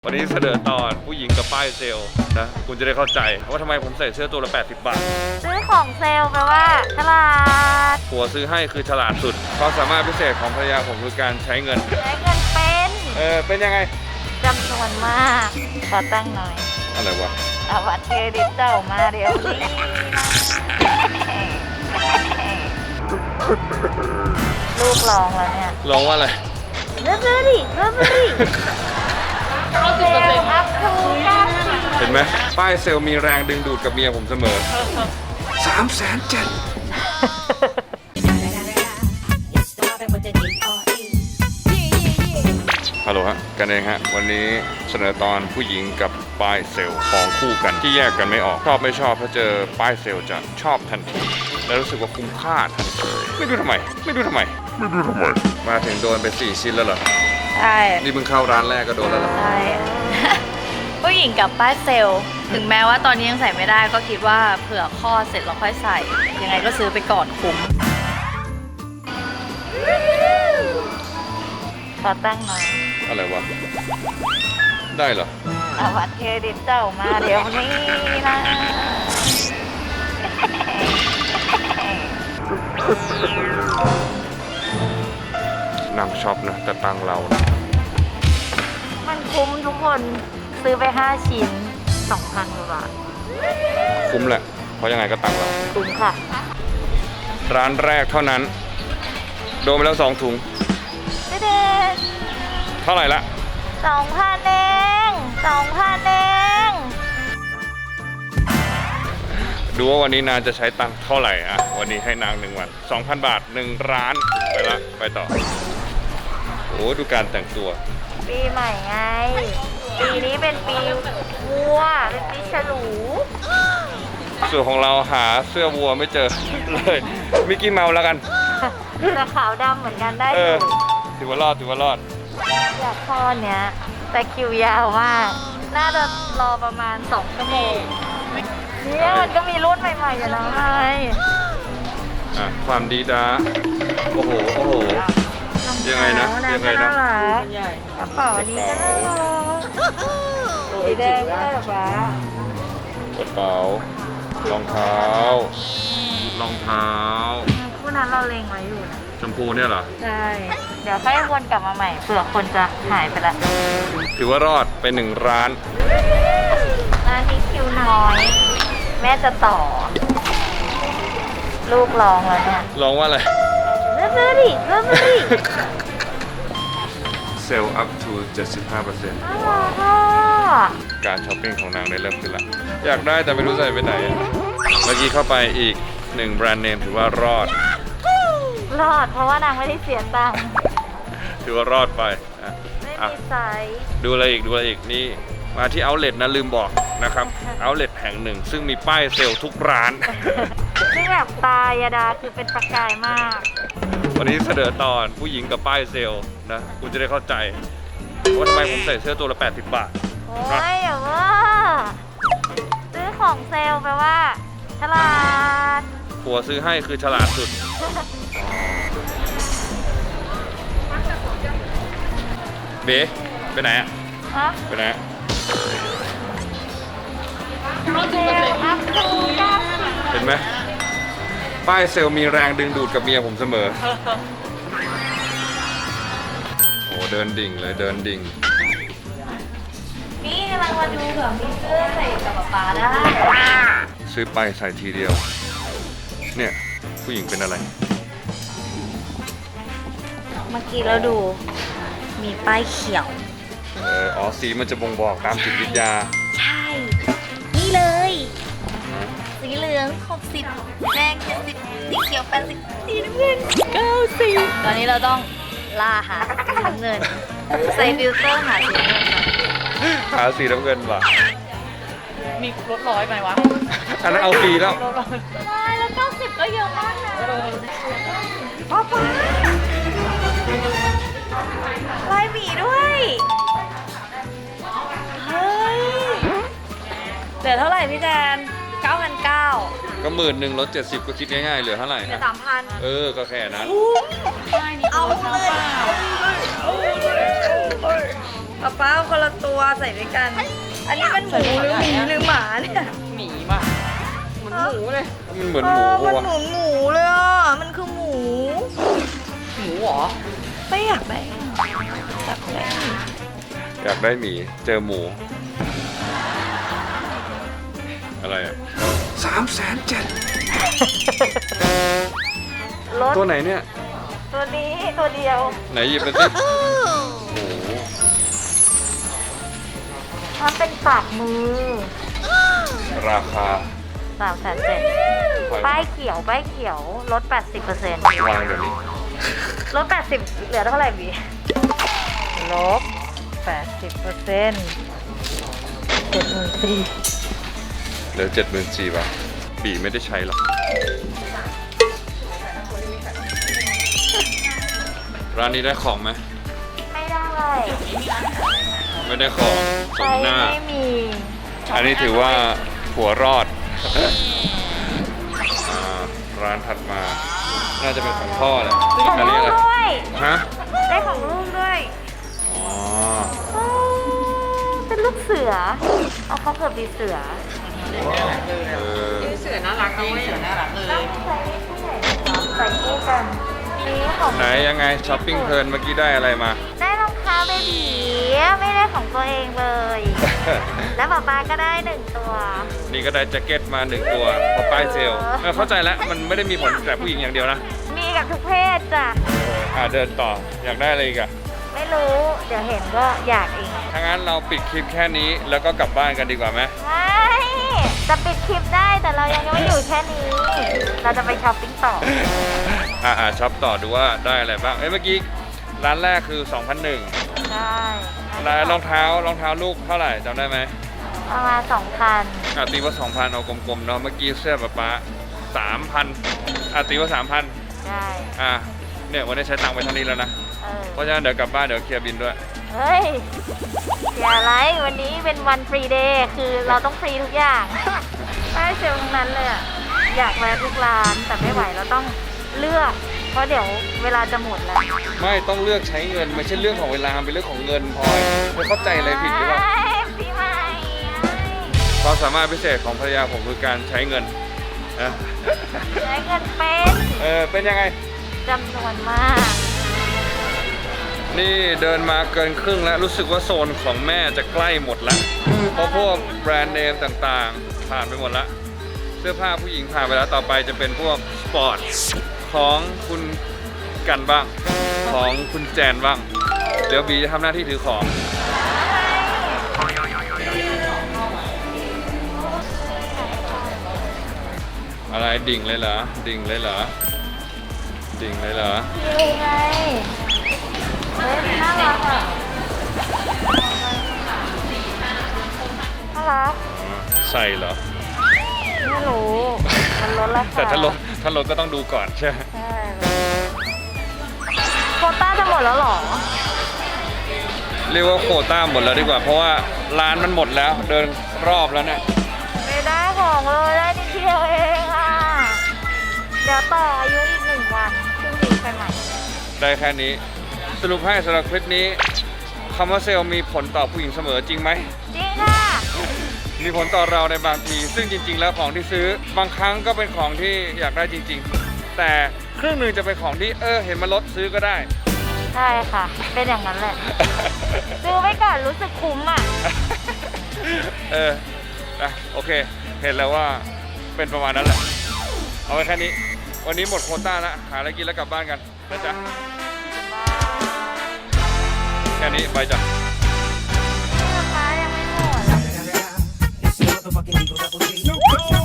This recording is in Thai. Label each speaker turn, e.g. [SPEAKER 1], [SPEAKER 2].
[SPEAKER 1] วันนี้เสนอตอนผู้หญิงกับป้ายเซลล์นะคุณจะได้เข้าใจว่าทำไมผมใส่เสื้อตัวละ80 บาท
[SPEAKER 2] ซื้อของเซลล์แปลว่าฉลาด
[SPEAKER 1] ผัวซื้อให้คือฉลาดสุดความสามารถพิเศษของภรรยาผมคือการใช้เงินเป็นยังไง
[SPEAKER 2] จำนวนมากขอตั้งหน่อย
[SPEAKER 1] อะไรวะ
[SPEAKER 2] เอาบัตรเครดิตเจ้ามาเดี๋ยวนี้ลูกลองแล้วเนี่ย
[SPEAKER 1] ลองว่าอะไร
[SPEAKER 2] เริ่มดิเซลล์อัพทู90
[SPEAKER 1] เห็นไหมป้ายเซลล์มีแรงดึงดูดกับเมียผมเสมอ3,700,000ฮัลโหลฮะกันเองฮะวันนี้เสนอตอนผู้หญิงกับป้ายเซลล์ของคู่กันที่แยกกันไม่ออกชอบไม่ชอบถ้าเจอป้ายเซลล์จะชอบทันทีและรู้สึกว่าคุ้มค่าทันทีไม่รู้ทำไมมาถึงโดนไป4 ชิ้นแล้วเหรอ
[SPEAKER 2] ใช่
[SPEAKER 1] นี่เพิ่งเข้าร้านแรกก็โดนแล้วเหรอ
[SPEAKER 2] ใช่ผู้หญิงกับป้ายเซลล์ถึงแม้ว่าตอนนี้ยังใส่ไม่ได้ก็คิดว่าเผื่อคลอดเสร็จเราค่อยใส่ยังไงก็ซื้อไปก่อนคุ้มขอตั้งหน่อย
[SPEAKER 1] อะไรวะได้เหรอ
[SPEAKER 2] เอาบัตรเครดิตเจ้ามาเดี๋ยวนี้นะ
[SPEAKER 1] นั่งช็อปนะแต่ตังเรานะ
[SPEAKER 2] มันคุ้มทุกคนซื้อไป5 ชิ้น 2,000 กว่าบาท
[SPEAKER 1] คุ้มแหละเพราะยังไงก็ตังเรา
[SPEAKER 2] คุ้มค่ะ
[SPEAKER 1] ร้านแรกเท่านั้นโดนไปแล้ว2 ถุง
[SPEAKER 2] เด็ด
[SPEAKER 1] เท่าไหร่ละ
[SPEAKER 2] 2,000 เอง
[SPEAKER 1] ดูว่าวันนี้นางจะใช้ตังค์เท่าไหร่อะวันนี้ให้นาง1 วัน 2,000 บาท1 ร้านไปต่อโอ้ดูการแต่งตัว
[SPEAKER 2] ปีใหม่ไงปีนี้เป็นปีวัวเป็นปีฉลู
[SPEAKER 1] ส่วนของเราหาเสื้อวัวไม่เจอเลยมิกกี้เมาส์แล้วกัน
[SPEAKER 2] จะขาวดำเหมือนกันได้อยู่
[SPEAKER 1] ถือว่ารอด
[SPEAKER 2] อยากข้อเนี้ยแต่คิวยาวมากน่าจะรอประมาณ2 ชั่วโมงเนี่ยมันก็มีรุ่นใหม่ๆอยู่แล้วไง
[SPEAKER 1] ความดีดาโอ้โหยังไงนะก
[SPEAKER 2] ระเป๋านี้ก็น่ารักสีแดงก็ได้หรอวะ
[SPEAKER 1] กระเป๋ารองเท้า
[SPEAKER 2] คู่นั้นเราเล็งไว้อยู่นะ
[SPEAKER 1] ชมพูเนี่ยเหรอ
[SPEAKER 2] ใช่เดี๋ยวค่อยวนกลับมาใหม่เผื่อคนจะหายไปละ
[SPEAKER 1] ถือว่ารอดไป1 ร้าน
[SPEAKER 2] นี้คิวน้อยแม่จะต่อลูกลองแล้วเนี่ย
[SPEAKER 1] ลองว่าอะไร
[SPEAKER 2] เริ่มดิ
[SPEAKER 1] เซลล์ up to 75% การช้อปปิ้งของนางได้เริ่มขึ้นละอยากได้แต่ไม่รู้ใส่ไปไหนเมื่อกี้เข้าไปอีก1 แบรนด์เนมถือว่ารอด
[SPEAKER 2] เพราะว่านางไม่ได้เสียตังค์
[SPEAKER 1] ถือว่ารอดไป
[SPEAKER 2] ไม่มีไซส์
[SPEAKER 1] ดูอะไรอีกนี่มาที่เอาท์เล็ตนะลืมบอกนะครับเอาท์เล็ตแห่งหนึ่งซึ่งมีป้ายเซลล์ทุกร้าน
[SPEAKER 2] ซึ่งแบบตายาดาคือเป็นประกายมาก
[SPEAKER 1] วันนี้เสนอตอนผู้หญิงกับป้ายเซลล์นะคุณจะได้เข้าใจว่าทำไมผมใส่เสื้อตัวละ80 บาท
[SPEAKER 2] โอ้ยอย่าว่าซื้อของเซลล์แปลว่าฉลาด
[SPEAKER 1] ผัวซื้อให้คือฉลาดสุดเบ๊ไปไหนอะไปไหนเห็นไหมป้ายเซลล์มีแรงดึงดูดกับเมียผมเสมอโอ้เดินดิ่งเลย
[SPEAKER 2] นี่กำลังมาดูแบบมีเสื้อใส่กับป๊าได้
[SPEAKER 1] ซื้อไปใส่ทีเดียวเนี่ยผู้หญิงเป็นอะไร
[SPEAKER 2] เมื่อกี้เราดูมีป้ายเขียว
[SPEAKER 1] สีมันจะบ่งบอกตามจิตวิทยา
[SPEAKER 2] ใช่นี่เลยสีเหลือง60แดง70สีเขียว80สีน้ำเงิน90ตอนนี้เราต้องล่าหาสีน้ำเงินใส่ฟิลเตอร์หาสีน้ำเงิน
[SPEAKER 1] หาสีน้ำเงินว่ะ
[SPEAKER 2] มีลด100ไหมวะ
[SPEAKER 1] อันนั้นเอาฟรีแล้ว
[SPEAKER 2] ไม่แล้ว90ก็เยอะมากนะป๊าลายหมีด้วยเฮ้ยเหลือเท่าไหร่พี่แจน9,900
[SPEAKER 1] ก็11,000ลด70ก็คิดง่ายๆเหลือเท่าไหร่
[SPEAKER 2] เหลือ 3,000
[SPEAKER 1] ก็แค่นั้น
[SPEAKER 2] เอาเลยป้าเอาคนละตัวใส่ด้วยกัน อันนี้มันหมูหรือหมีหรือหมาเนี่ย
[SPEAKER 3] หมีป่ะเหมือนหมูเลย
[SPEAKER 1] มันเหมือนหมู
[SPEAKER 2] มัน
[SPEAKER 1] วะ
[SPEAKER 2] หมูหมูเลยอ่ะ มันคือหมู
[SPEAKER 3] หมูเหรอ
[SPEAKER 2] ไม่อยากได้อยากได้
[SPEAKER 1] อยากได้หมีเจอหมู อะไรอ่ะ307,000
[SPEAKER 2] รถ
[SPEAKER 1] ตัวไหนเนี่ย
[SPEAKER 2] ตัวนี้ตัวเดียว
[SPEAKER 1] ไหนหยิบไปสิโอ้โห
[SPEAKER 2] มันเป็นปากมือ
[SPEAKER 1] ราคา
[SPEAKER 2] 307,000ป้ายเขียวป้ายเขียวลด 80%
[SPEAKER 1] วางเดี๋ยวนี้
[SPEAKER 2] ลด 80 เหลือเท่าไหร่บีลบ 80% 74,000
[SPEAKER 1] เหลือ74,000 บาทปีไม่ได้ใช้หรอกร้านนี้ได้ของไหม
[SPEAKER 2] ไม่ได้
[SPEAKER 1] ไม่ได้ของส
[SPEAKER 2] ใช้
[SPEAKER 1] มหน้า
[SPEAKER 2] ไม่มี
[SPEAKER 1] อันนี้ถือว่าหัวรอด ร้านถัดมา น่าจะเป็นของพ่อแหละ
[SPEAKER 2] ของ
[SPEAKER 1] อัน
[SPEAKER 2] ลู
[SPEAKER 1] นี้
[SPEAKER 2] ก
[SPEAKER 1] อะไร
[SPEAKER 2] ด้วย
[SPEAKER 1] ฮะ
[SPEAKER 2] ได้ของลูกด้วย
[SPEAKER 1] อ๋อ
[SPEAKER 2] อ๋อเป็นลูกเสือ เอาเขาเกิดปีเสือ
[SPEAKER 1] เออ
[SPEAKER 3] เสือน่ารักจริงเสือน่ารักเลย
[SPEAKER 2] ใส่คู่กันนี่ของ
[SPEAKER 1] ไหนยังไงช้อปปิ้งเพลินเมื่อกี้ได้อะไรมา
[SPEAKER 2] ได้รองเท้าเบบีไม่ได้ของตัวเองเลย แล้วป๊าป๊าก็ได้1 ตัว
[SPEAKER 1] นี่ก็ได้แจ็คเก็ตมา1 ตัวเพราะป้ายเซลล์เข้าใจแล้วมันไม่ได้มีผลแต่ผู้หญิงอย่างเดียวนะ
[SPEAKER 2] มีกับทุกเพศจ้ะ
[SPEAKER 1] เดินต่ออยากได้อะไรอีกอะ
[SPEAKER 2] ไม่รู้ เดี๋ยวเห็นก็อยากเอง
[SPEAKER 1] ถ้างั้นเราปิดคลิปแค่นี้แล้วก็กลับบ้านกันดีกว่าไหม
[SPEAKER 2] ไม่จะปิดคลิปได้แต่เรายังไม่อยู่แค่นี้ เราจะไปช้อปปิ้งต่อ
[SPEAKER 1] ช็อปต่อดูว่าได้อะไรบ้างเมื่อกี้ร้านแรกคือ 2,001
[SPEAKER 2] ใช่
[SPEAKER 1] ร้านรองเท้าลูกเท่าไหร่จำได้ไหม
[SPEAKER 2] ประมาณ2,000
[SPEAKER 1] ตีว่า 2,000 เอากลมๆเนาะเมื่อกี้เสื้อป๊า3,000ตีว่า 3,000
[SPEAKER 2] ใช่
[SPEAKER 1] เนี่ยวันนี้ใช้ตังค์ไปเท่านี้แล้วนะ เพราะฉะนั้นเดี๋ยวกลับบ้านเดี๋ยวเคลียร์บินด้วย
[SPEAKER 2] เฮ้ยเสียอะไรวันนี้เป็นวันฟรีเดย์คือเราต้องฟรีทุกอย่าง ได้เซลล์ทั้งนั้นเลยอะอยากแวะทุกร้านแต่ไม่ไหวเราต้องเลือก เพราะเดี๋ยวเวลาจะหมดแล้ว
[SPEAKER 1] ไม่ต้องเลือกใช้เงินไม่ใช่เรื่องของเวลาเป็นเรื่องของเงินพลอยเธอเข้าใจอะไรผิดหรือเปล่า
[SPEAKER 2] พี่ใหม่
[SPEAKER 1] ความสามารถพิเศษของภรรยาผมคือการใช้เงินนะ
[SPEAKER 2] ใช้เงินเป็น
[SPEAKER 1] เป็นยังไง
[SPEAKER 2] จำนวนมาก
[SPEAKER 1] นี่เดินมาเกินครึ่งแล้วรู้สึกว่าโซนของแม่จะใกล้หมดแล้วเพราะพวกแบรนด์เนมต่างๆ ผ่านไปหมดแล้วเสื้อผ้าผู้หญิงผ่านไปแล้วต่อไปจะเป็นพวกสปอร์ตของคุณกันบ้างของคุณแจนบ้างเดี๋ยวบีจะทำหน้าที่ถือของอะไรดิ่งเลยเหรอดิ่งเลยเหรอดิ่งเลยเหรอ
[SPEAKER 2] พี่ไงเฮ้ยน่ารักอ่ะน่ารัก
[SPEAKER 1] ใส่เหรอ
[SPEAKER 2] ไม่รู้ มันลดราคา
[SPEAKER 1] แต่ถ้าลดก็ต้องดูก่อนใช่ไหม
[SPEAKER 2] ใช่โควต้าจะหมดแล้วเหรอ
[SPEAKER 1] เรียกว่าโควต้าหมดแล้วดีกว่า เพราะว่าร้านมันหมดแล้วเดินรอบแล้วเนี่ย
[SPEAKER 2] ไม่ได้ของเลยได้นิดเดียวเองอ่ะ เดี๋ยวต่ออายุอีก1 วันครึ่งปีไปใหม่
[SPEAKER 1] ได้แค่นี้สรุปให้สำหรับคลิปนี้คำว่าเซลล์มีผลต่อผู้หญิงเสมอจริงไหม
[SPEAKER 2] จริงค่ะ
[SPEAKER 1] มีผลต่อเราในบางที ซึ่งจริง ๆ แล้วของที่ซื้อบางครั้งก็เป็นของที่อยากได้จริง ๆ แต่ครึ่งหนึ่งจะเป็นของที่เห็นมาลดซื้อก็ได้
[SPEAKER 2] ใช่ค่ะ เป็นอย่างนั้นแหละ ซื้อไว้ก่อนรู้สึกคุ้มอ่ะ
[SPEAKER 1] โอเค เห็นแล้วว่าเป็นประมาณนั้นแหละ เอาไว้แค่นี้ วันนี้หมดโควต้าแล้วหาอะไรกินแล้วกลับบ้านกันนะจ๊ะแค่นี้ไปจ้ะ
[SPEAKER 2] ราคายังไม่หมด
[SPEAKER 4] It's the motherfucking Eagle Double G.